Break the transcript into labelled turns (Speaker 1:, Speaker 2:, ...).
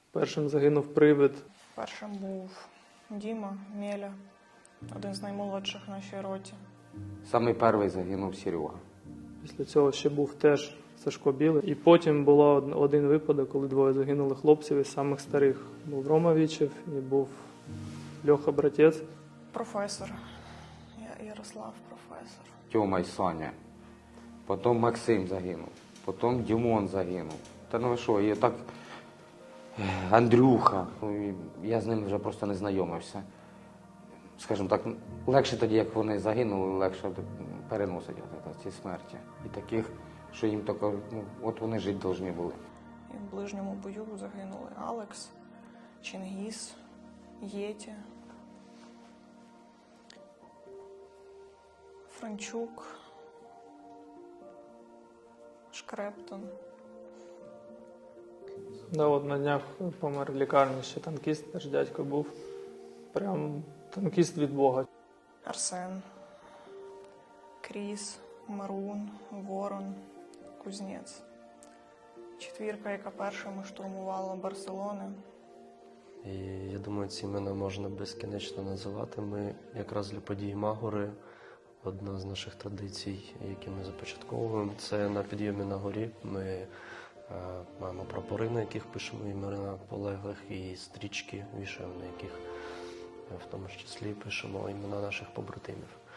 Speaker 1: Першим загинув Привид.
Speaker 2: Першим був Діма Мєля, один з наймолодших в нашій роті.
Speaker 3: Самий перший загинув Серега.
Speaker 1: Після цього ще був теж Сашко Білий. І потім було один випадок, коли двоє загинули хлопців із самих старих. Був Рома Вічев і був Льоха Братець.
Speaker 2: Професор. Ярослав професор.
Speaker 3: Тьома і Саня. Потім Максим загинув. Потім Дімон загинув. Та ну ви що, і так Андрюха. Я з ним вже просто не знайомився. Скажімо так, легше тоді, як вони загинули, легше переносить ці смерті. І таких, що їм тільки, от вони жити повинні були.
Speaker 2: І в ближньому бою загинули Алекс, Чингіс, Єті, Франчук, Шкрептон.
Speaker 1: Да, от на днях помер в лікарні ще танкіст, теж дядько був. Прям танкіст від Бога.
Speaker 2: Арсен, Кріс, Марун, Ворон, Кузнець. Четвірка, яка першими штурмувала Барселони.
Speaker 4: І я думаю, ці імена можна безкінечно називати. Ми якраз для події Магори, одна з наших традицій, які ми започатковуємо, це на підйомі на горі. Ми маємо прапори, на яких пишемо імена полеглих, і стрічки вішаємо, на яких в тому числі пишемо імена наших побратимів.